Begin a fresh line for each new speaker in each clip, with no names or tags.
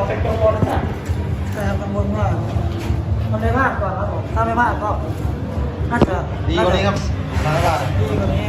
เป็นกังวลนะแต่กังวลว่ามันไม่พลาดก่อนครับผมถ้าไม่พลาดก็น่าจะ
ดีกว่านี้ครับสถานการณ์
ดีกว่านี้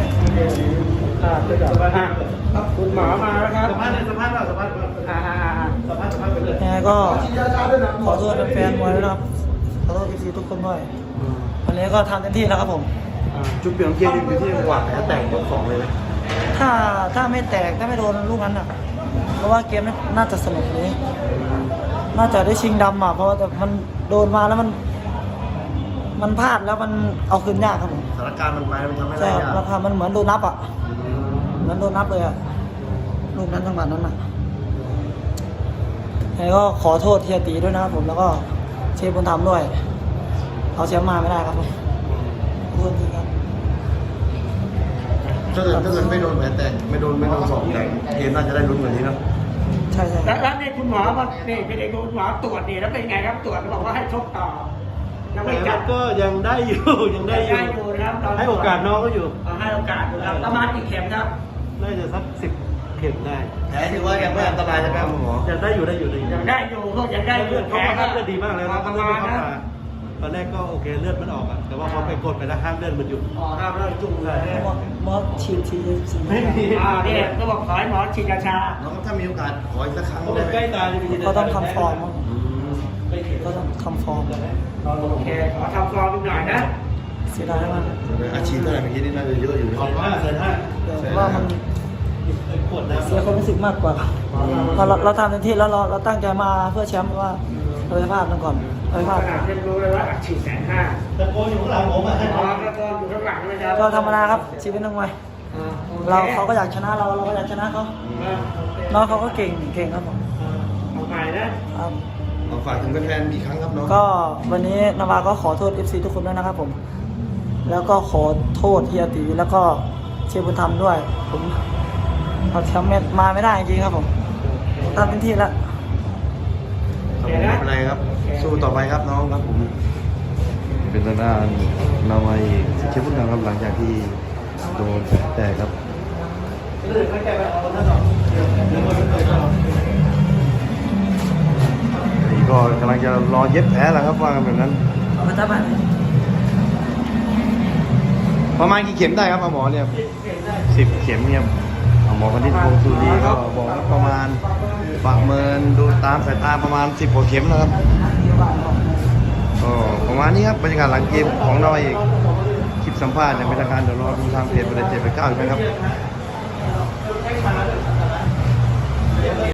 ครับคุณหมอมาแล้วครับ
สัมภาษณ์เลยสัมภาษณ์ว่าสัมภาษณ์ไปเลย
ยังไงก็ขอโทษแฟนๆมวยด้วยนะครับขอโทษทีทุกคนด้วยวันนี้ก็ทำเต็มที่แล้วครับผม
จุดเปลี่ยนของเกมอยู่ที่จังหวะแตกยกสองเลยไหม
ถ้าไม่แตกถ้าไม่โดนลูกนั้นอ่ะเพราะว่าเกมน่าจะสนุกนี้น่าจะได้ชิงดำอ่ะเพราะว่าแต่มันโดนมาแล้วมันพลาดแล้วมันเอาคืนยากครับผม
สถานการณ์มันไปมันทำให้
ใช่
ได้
ครับ
ยาก
ราคามันเหมือนโดนนับอ่ะเหมือนโดนนับเลยอ่ะลูกนั้นจังหวะนั้นอ่ะยังไงก็ขอโทษเฮียตีด้วยนะครับผมแล้วก็เชฟบุญธรรมด้วยเอาแชมป์มาไม่ได้ครับผมขอโทษทีครับ
ถ้าเกิดไม่โดนแผลแตกไม่โดนสองแต่เกมน่าจะได้ลุ้นกว่านี้นะ
ใช่ใช่
แล้วนี่คุณหมอมานี่เป็นเอกคุณหมอตรวจนี่แล้วเป็นไงครับตรวจบอกว่าให้ชกต่อยังไม่จัด
ก็ยังได้อยู่ยังได้อยู่
อยู่นะครับ
ให้โอกาสน้องก็อยู่
ให้โอกาสอยู่ครับประมาณกี่เข็มครับ
น่าจะสัก10 เข็มได้แผลถือว่ายังไม่อันตรายใช่ไหมครับหมอยังได้อยู่
ยังได้อยู่ก็ยังได้
เลือด
แผ
เขา
ล
ก็เลือดดีมากเลยนะ
ประมาณนะ
ตอนแรกก็โอเคเลือดมันออกอะแต่ว่าพอไปกดไปแล้วห้ามเลือดมันหยุด
ห้ามเลิกจุ่มเลย
มอสฉีดฉีด
นี่ก็บอกขอให้หมอฉีดยาชา
น้องถ้ามีโอกาสขออีกสักครั้งได้ไหมใกล้ตาย
ก็ต้องทำฟอร์มมั้งก็ต้องทำฟอร์ม
โอเคขอทำฟอร์มอีกหน่อยนะ
เสียดายมาก
อาชีพเท่าไหร่เมื่อกี้นี่น่าจะเยอะอยู่ขอบคุณมากเลยนะ
แต่ว่ามันเสียความรู้สึกมากกว่าเราทำเต็มที่แล้วเราตั้งใจมาเพื่อแชมป์ว่าเราไปพลาดมันก่อนเราไปพลาด
ขนาดยังรู้เลยว่าฉีด150,000
ตะโกนอยู่ข้างหลังผมอ่ะ
อ๋อแล้วก็อยู่ข้างหลังนะครับ
ก็ธรรมดาครับชีวิตนักมวยเขาก็อยากชนะเราก็อยากชนะเขาน้องเขาก็เก่งครับผม
เอาไปนะครับ
ฝากถึงแฟนๆอีกครั้งครับน้อง
ก็วันนี้นาวาก็ขอโทษ FC ทุกคนด้วยนะครับผมแล้วก็ขอโทษเฮียตีแล้วก็เชฟบุญธรรมด้วยผมเอาแชมป์มาไม่ได้จริงๆครับผมทำเต็มที่แล้ว
ไม่เป็นไรครับสู้ต่อไปครับน้องครับผมเป็นทางด้านนาวัยเชฟพุทธังครับหลังจากที่โดนแตกครับนี่ก็กำลังจะรอเย็บแผลแล้วครับว่ากันแบบนั้น
มาทับมัน
ประมาณกี่เข็มได้ครับหมอเนี่ย10 เข็มเนี่ยหมอพันธิตพงศ์สุรีก็บอกว่าประมาณประเมินดูตามสายตาประมาณ10 กว่าเข็มนะครับก็ประมาณนี้ครับบรรยากาศหลังเกมของเราเองคลิปสัมภาษณ์อย่างเป็นทางการเดี๋ยวรอดูทางเพจประเด็น789อีกไหมครับ